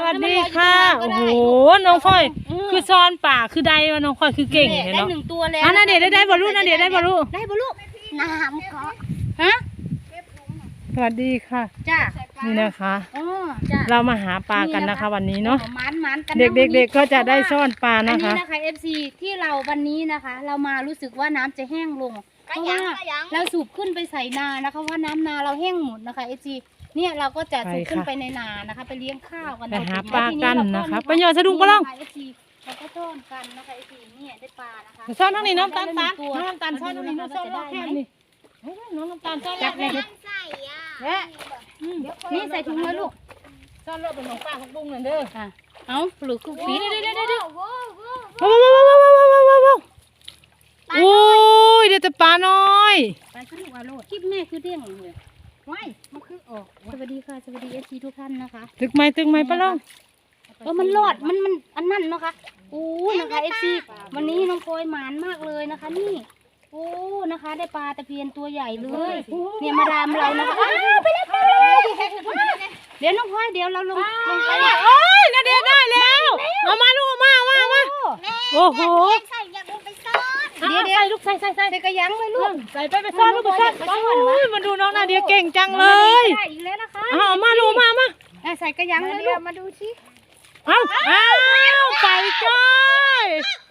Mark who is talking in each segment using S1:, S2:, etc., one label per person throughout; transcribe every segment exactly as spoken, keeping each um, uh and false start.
S1: วัสดีค่ะโอ้โหน้องค่อยคือซ้อนป่าคือใดวะน้องค่อยคือเก่งเลยเนาะ
S2: ได้หนึ่งตัวแล้ว
S1: อ่ะนาเดียได้ได้บอลลูนนาเดียได้บอลลูน
S2: ได้บอลลูนน้ำก็ฮะ
S1: สวัสดีค่ะ
S2: จ้า
S1: นี่นะคะ
S2: อ๋อจ้า
S1: เรามาหาปลากันนะคะวันนี้เนาะ
S2: มันมันกัน
S1: เด็กๆก็จะได้ซ่อนปลานะคะ
S2: อันนี้นะคะ เอฟ ซี ที่เราวันนี้นะคะ เรามารู้สึกว่าน้ำจะแห้งลงเพราะว่าเราสูบขึ้นไปใส่นานะคะว่าน้ำนาเราแห้งหมดนะคะ เอฟ ซี เนี่ยเราก็จะสูบขึ้นไปในนานะคะไปเลี้ยงข้าวกัน
S1: ไปหาปลากันนะคะไปหยอดสะดุ้งปลาล่อง
S2: เราก็ซ่อนกันนะคะ เอฟ ซี เนี่ยได้ปลานะคะ
S1: ซ่อนทั้งนี้น้องตาลตาลน้องน้ำตาลซ่อนทั้งนี้น้องซ่อนรอบแค่นี้น้องน้ำตาลซ่อนรอบเลยเนี่ย
S2: นี่ใส่ถุงเลยลูก
S1: ซ่อนรอบเป็นของป้าของบุ้งนั่นเด้อ
S2: ค่ะเอาหรือคือฟีดเด้อเด้อเด้อ
S1: ว้าวว้าวว้าวว้าวว้าวว้าวว้าวโอ้ยเดี๋ยวจะปลาน้อย
S2: ปลาขึ้นหัวโลดคลิปแม่คือเด้งเลยว้ายมันคือออกสวัสดีค่ะสวัสดีเอฟซีทุกท่านนะคะ
S1: ตึกไม้ตึกไม้ปลาล่อง
S2: เออมันรอดมันมันอันนั่นเนาะค่ะโอ้นะคะเอฟซีวันนี้น้องพลอยหมานมากเลยนะคะนี่โอ้นะคะได้ปลาตะเพียนตัวใหญ่เลยเนี่ยมาดามเรานะคะไปเลยไปเลยเดี๋ยวน้องพลอยเดี๋ยวเราลงลงไป
S1: โอ้ยนาเดียได้แล้วเอามาลูกมามามาโอ้โห
S2: เดี๋ยวเดี๋ยวลูกใส่ใส่ใส่กระยังเลยลูก
S1: ใส่ไปไปซ่อนลูกไปซ่อนโอ้ยมาดูน้องนาเดียเก่งจังเลย
S2: ได้อีกแล้วนะคะ
S1: เอามาลูกมามา
S2: ใส่กระยังเลยลูกมาดูสิ
S1: เอาเอาไปจ้อย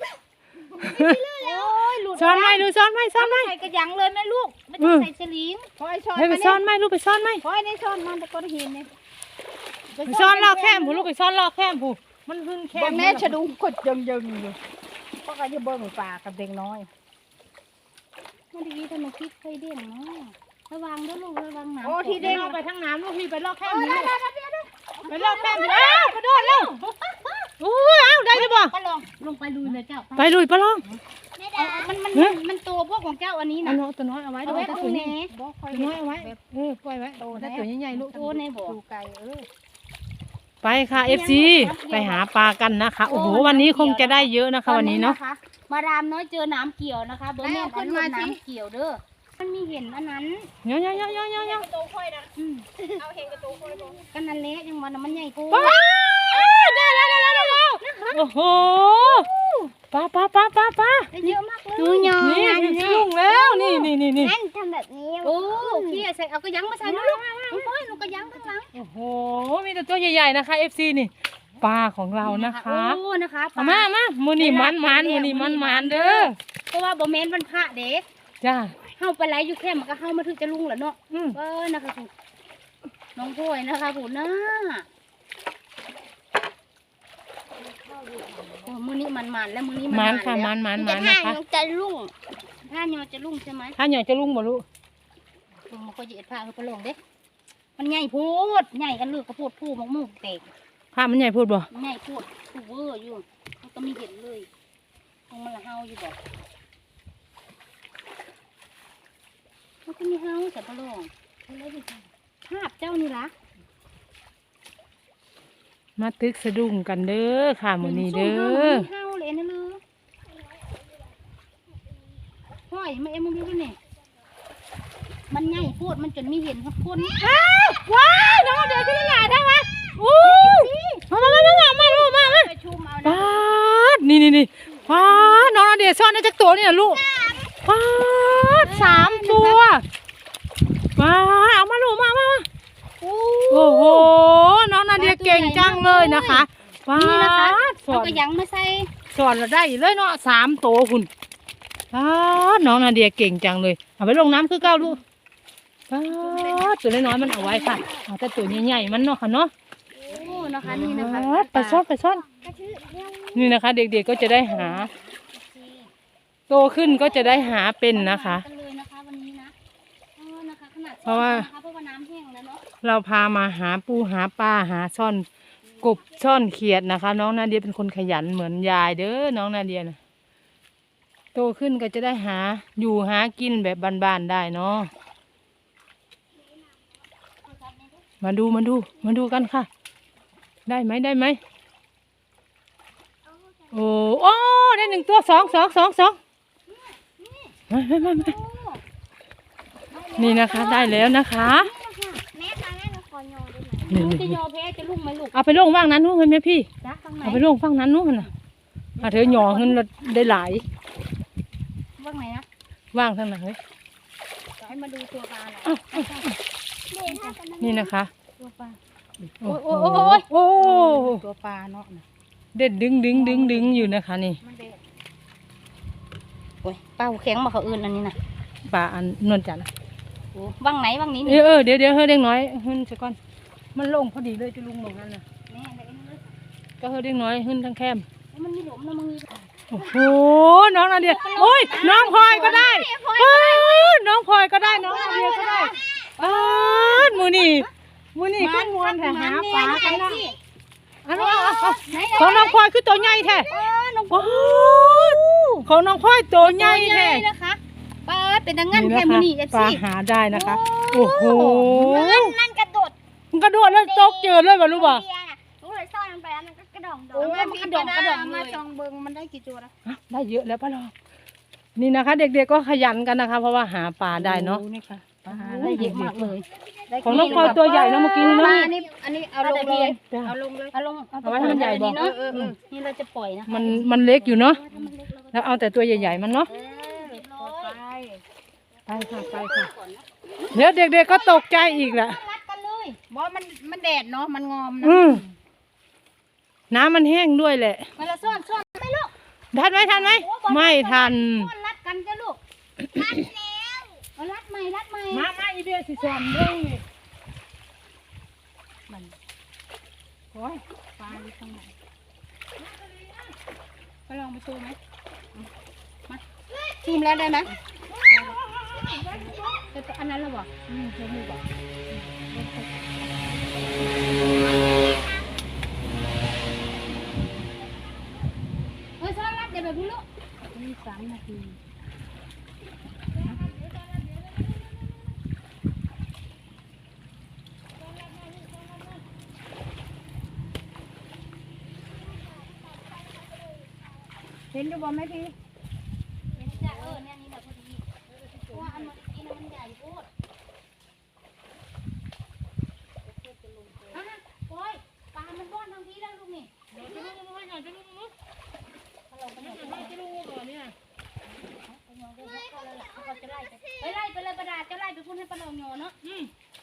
S1: ซ่อนไหมดูซ่อนไหมซ่อนไหม
S2: ใส่กระยังเลยแม่ลูกไม่ต้องใส่เฉลีง
S1: พอยช้อนไปซ่อนไหมลูกไปซ่อนไหม
S2: พอยในช้อนมันตะกอนหินเนี่ย
S1: ไปซ่อนลอกแคมผู้ลูกไปซ่อนลอกแคมผู้มันหึ่งแคม
S2: แม่ฉดุงกดยังยังอยู่เพราะก็จะเบิ่งปลากับเด็กน้อยมันดีทำไมคิดเคยเด้งเนาะระวังด้วยลูกระวังน้ำ
S1: โอ้ที่เด้งไปทั้งน้ำลูกพี่ไปลอกแคมนี่ไปลอกแคมอ้าวกระโดดแล้วโอ้ยอ้าวได้จะบอก
S2: ปลาลองลงไปลุยเลยเจ้า
S1: ไปลุยปลาลอง
S2: มันมันมันตัวพวกของเจ้าอันนี้นะ
S1: ตัวน้อยเอาไว้ตัวน้อยตัวน้อยเอาไว้เออปล่อยไว้ถ้าตัวใหญ่ๆลูก
S2: ตัวในบ่อไก่เออ
S1: ไปค่ะ เอฟ ซี ไปหาปลากันนะคะโอ้โหวันนี้คงจะได้เยอะนะคะวันนี้เนาะ
S2: มาดามน้อยเจอน้ำเกี่ยวนะคะเบอร์แม่ขึ้นมาน้ำเกี่ยวเด้อมันมีเห็นอันนั้น
S1: เยอะเยอะเยอะเยอะเยอะเยอะ
S2: ตัวค่อยนะเอาเห็นกระตัวค่อยกันนั่นเละยังมันมันใหญ่กู
S1: ได้แล้วได้แล้วได้แล้วโอ้โหปลาปลาปลาปลาปลา
S2: เยอะมากเลย
S1: ดูยองนี่ลุงแล้วนี่นี่นี่นี่
S2: ทำแบบนี้โอ้พี่ใส่เอากระยังมาใส่ลูกลูกโอ้ยลูกกระยังข้างหลัง
S1: โอ้โหมีแต่ตัวใหญ่ๆนะคะ เอฟ ซี นี่ปลาของเรานะคะ
S2: โอ้นะคะ
S1: มามามือนี่มันมันมือนี่มันมันเด้อ
S2: เพราะว่าบ่แม่นวันพระเด็ก
S1: จ้า
S2: เฮาไปไล่อยู่แค่มันก็เฮามาถึงจะลุงแหละเนาะเออนะคะคุณน้องพลอยนะคะผมนะโอ้มือนี้มันมันแล้วมือนี้
S1: มันค่ะมันมันมันนะคะ
S2: จะลุ่งถ้าเนาะจะลุ่งใช่ไหม
S1: ถ้าเนาะจะลุ่งบ่ลูก
S2: มันก็เหยียดผ้าเขาก็ลงเด้มันใหญ่พูดใหญ่กันเลือกกระโพดผู้มกมุกเตก
S1: ผ้ามันใหญ่พูดบ่
S2: ใหญ่พูดผู้เวอร์อยู่มันก็มีเห็นเลยมันละเฮาอยู่บ่มันก็มีเฮาแต่ก็ลงภาพเจ้านี่ละ
S1: มาตึกสะดุ้งกันเด้อค่ะมื้อนี้เด้อ
S2: เฮาเลยนะลือห้อยมาเอ็มมึงดูนี่มันใหญ่พูดมันจนมีเห็นครับคน
S1: อ้าวว้ายน้องเดี๋ยวขึ้นหลาได้ไหมอู้มามามามามาลูกมามาป้าดนี่นี่นี่ป้าดน้องเดี๋ยวซ่อนได้จักตัวนี่นะลูกป้าดสามตัวป้าดเอามาลูกมามามาโอ้โหน้องนาเดียเก่งจังเลยนะคะป้าด
S2: สอนก็ยังไม่ใส่
S1: สอนเราได้เลยเนาะสามตัวคุณป้าดน้องนาเดียเก่งจังเลยเอาไปลงน้ำคือเก้าลูกป้าดตัวน้อยๆมันเอาไว้ค่ะเอาแต่ตัวใหญ่ๆมันเนาะค่ะเนาะ
S2: โอ้นะคะนี่นะคะ
S1: ไปซ่อนไปซ่อนนี่นะคะ เด็กๆก็จะได้หาโตขึ้นก็จะได้หาเป็นนะคะเพราะว่าเราพามาหาปูหาปลาหาซ่อนกบซ่อนเขียดนะคะน้องนาเดียเป็นคนขยันเหมือนยายเด้อน้องนาเดียนะโตขึ้นก็จะได้หาอยู่หากินแบบบ้านๆได้เนาะมาดูมาดูมาดูกันค่ะได้ไหมได้ไหมโอ้โอ้ได้หนึ่งตัวสองสองสองสองมามามามานี่นะคะได้แล้วนะคะ
S2: แม่ค่ะแม่หนูขอโยนได้ไหม
S1: นี่
S2: ลุง
S1: นี่
S2: จะยอแพ้จะลุกไหมลูก
S1: เอาไปลงว่างนั้นนู้นเห็นไหมพี่
S2: จ้าข้างไหน
S1: เอาไปลงฝั่งนั้นนู้นน่ะอ่ะเธอหย่อเงินเราได้หลาย
S2: ว่างไหนนะ
S1: ว่างทางไหนเฮ้ย
S2: ให้มาดูตัวปลาหน่อย
S1: อ้าวอ้าวนี่นะคะ
S2: ตัวปลา
S1: โอ้
S2: โอ้
S1: โห
S2: โอ้โอ้ย
S1: โอ้
S2: ตัวปลาเนาะนะ
S1: เด็ดดึงดึงดึงดึงอยู่นะคะนี่
S2: มันเด็ดโอ้ยปลาหัวแข็งมาเขาอื่นอันนี้นะ
S1: ปลาอันนวลจันทร์
S2: โอ้ว่างไหนว่างนี้
S1: เอ
S2: นี่
S1: อเออเดี๋ยวเดี๋ยวเฮ้ยเด็กน้อยหึ้นซะก่อนมันลงพอดีเลยจะลุงลงนั่นน่ะ
S2: แม่เด็กนี่เลย
S1: ก็เฮ้ยเด็กน้อยหึ้นทั้งแคม
S2: แล้วมันมีหลุมแล้วมันมี
S1: โอ้โหน้องนาเดียโอ้ยน้องพลอยก็ได้เอ้ยน้องพลอยก็ได้น้องนาเดียก็ได้อ้าวมือนี่มือนี่ก็มวนแท้หาปลากันนะอันนี้เอาเอาของน้องพลอยคือตัวใหญ่แท้
S2: เออน้อง
S1: โอ้ยของน้องพลอยตัวใหญ่แท้
S2: นะคะปลาเป็นดังงั้นแค่มือนี่เอฟ
S1: ปลา
S2: ซี
S1: หาได้นะคะโอ้โห
S3: นั่นกระโดด
S1: มันกระโดดแล้วตกเจอเลยป่ะรู้ป่ะ
S3: เบียร์น่ะหนูเลยซ่อนมันไปแล้วมันก็กระดองดอ
S2: โอ้
S3: ง
S2: ยมันกระดองกระดอง
S3: มา
S2: เลย
S3: จองเบิงมันได้กี่ตัวนะ
S1: อ่ะได้เยอะแล้วป้าลองนี่นะคะ เด็กๆก็ขยันกันนะคะ เพราะว่าหาปลาได้เนาะ
S2: นี่ค่ะปลาได้เยอะมากเลย
S1: ของน้องพลอยตัวใหญ่นะเมื่อกี้
S2: ป
S1: นี้
S2: ลา
S1: เนาะ
S2: นี่อันนี้เอาลงเลย
S1: จ้ะ
S2: เอาลงเลยเอาลง
S1: เอาไว้ให้มันใหญ่บอก
S2: เนาะนี่เราจะปล่อยนะ
S1: มันมันเล็กอยู่เนาะแล้วเอาแต่ตัวใหญ่ๆมันเนาะ
S2: เออเรียบร้อย
S1: ไปค่ะไปค่ะเดี๋ยวเด็กๆก็ตกใจอีกแหละ
S2: รัดกันเลย
S3: บอกมันมันแดดเนาะมันงอมนะ
S1: อืมน้ำมันแห้งด้วยแหละ
S2: มาละซ่อนซ่อนไหมลูก
S1: ทันไหมทันไหมไม่ทัน
S2: ซ่อนรัดกันจ้ะลูกรัดแล้วเอารัดใหม่รัดใหม่
S1: มามาอีเบียสิสอนเรื่องนี่
S2: มัน
S1: โอ้ย
S2: ปลาอยู่ข้างในไปลองไปซูมไหมมาซูมแล้วได้ไหมแต่อันนั้นแล้วบ่อืมเดี๋ยวมือบ่เฮ้ยซ่อนรัดเดี๋ยวแบบนี้ลูกมีสามนาทีเห็นดูบ่ไหมพี่เห็นจ้ะเออเนี่ยนี่แหละพอดีเพราะว่าอันเมื่อกี้น่ะมันใหญ่โคตรอ่ะโอ้ยปลามันบ้อนทางที่แล้วลูกนี่
S1: จะลุกมาหน่อยจะลุกมา
S2: ถ้าเราไปไหนก็ได้
S1: จะลุกมาก่อนเนี่ย
S2: เขาจะไล่ไปไปไล่ไปเลยประดาจะไล่ไปพูดให้ปลาเราโยเนาะ
S1: อืม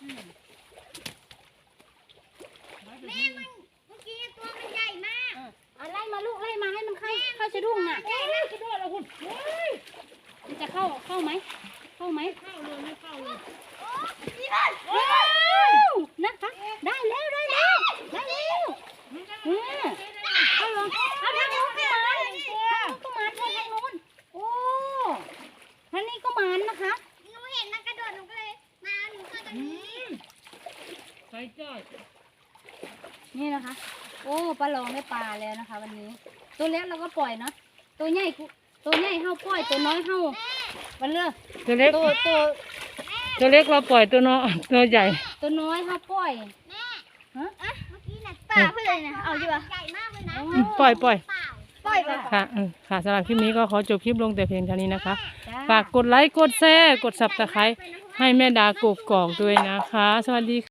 S3: แม่มันเมื่อกี้ตัวมันใหญ่มาก
S2: อ่ะไล่มาลูกไล่มาให้มันเข้าเข้าสะดุ้งน่ะ
S1: โอ้ยกระโดดแล้วคุณโอ้ย
S2: มันจะเข้าเข้าไหมเข้าไหม
S1: เข้าเลยไม่เข้าเลย
S2: ว้าวนะคะได้แล้วได้แล้วได้แล้วเออเอาลงเอาทางนู้นก็มาทางนู้นก็มาทางนู้นโอ้ทางนี้ก็มานะคะ
S3: หนูเห็นมันกระโดดหนูก็เลยมาหนูก็จะ
S1: อืมใส่จ้อย
S2: นี่นะคะ โอ้ปลาลองได้ปลาแล้วนะคะ วันนี้ ตัวเล็กเราก็ปล่อยเนาะตัวใหญ่กูตัวใหญ่เฮาปล่อยตัวน้อยเฮาวันเลิก
S1: ตัวเล็ก
S2: ตัวตัว
S1: ตัวเล็กเราปล่อยตัวน้อยตัวใหญ่
S2: ตัวน้อยเฮาปล่อย
S3: แม่
S2: ฮะ
S3: อะเมื่อกี้น่ะป่าเพื่อนนะเอาอยู่ปะใหญ่มากเลยนะ
S1: อืมปล่อยปล่อย
S3: เปล่าปล่อยไป
S1: ค่ะอืมค่ะสำหรับคลิปนี้ก็ขอจบคลิปลงแต่เพียงเท่านี้นะคะ
S2: จ้า
S1: ฝากกดไลค์ กดแชร์ กดสับตะไคร้ให้แม่ดากกกอกด้วยนะคะ สวัสดีค่ะ